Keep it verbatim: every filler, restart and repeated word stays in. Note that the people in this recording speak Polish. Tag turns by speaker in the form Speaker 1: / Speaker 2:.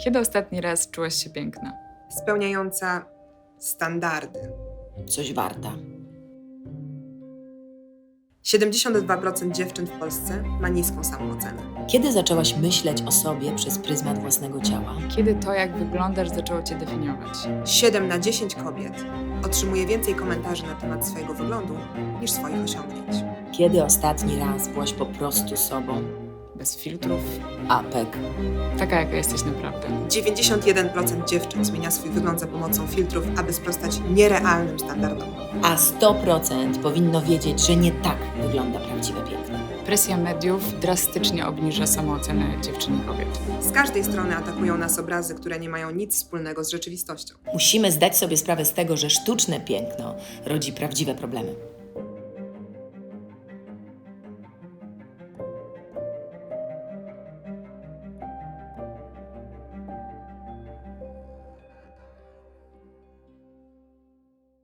Speaker 1: Kiedy ostatni raz czułaś się piękna?
Speaker 2: Spełniająca standardy.
Speaker 3: Coś warta.
Speaker 2: siedemdziesiąt dwa procent dziewczyn w Polsce ma niską samoocenę.
Speaker 3: Kiedy zaczęłaś myśleć o sobie przez pryzmat własnego ciała?
Speaker 1: Kiedy to, jak wyglądasz, zaczęło cię definiować?
Speaker 2: siedem na dziesięć kobiet otrzymuje więcej komentarzy na temat swojego wyglądu niż swoich osiągnięć.
Speaker 3: Kiedy ostatni raz byłaś po prostu sobą?
Speaker 1: Bez filtrów?
Speaker 3: Apek.
Speaker 1: Taka, jaka jesteś naprawdę.
Speaker 2: dziewięćdziesiąt jeden procent dziewczyn zmienia swój wygląd za pomocą filtrów, aby sprostać nierealnym standardom.
Speaker 3: A sto procent powinno wiedzieć, że nie tak wygląda prawdziwe piękno.
Speaker 1: Presja mediów drastycznie obniża samoocenę dziewczyn i kobiet.
Speaker 2: Z każdej strony atakują nas obrazy, które nie mają nic wspólnego z rzeczywistością.
Speaker 3: Musimy zdać sobie sprawę z tego, że sztuczne piękno rodzi prawdziwe problemy.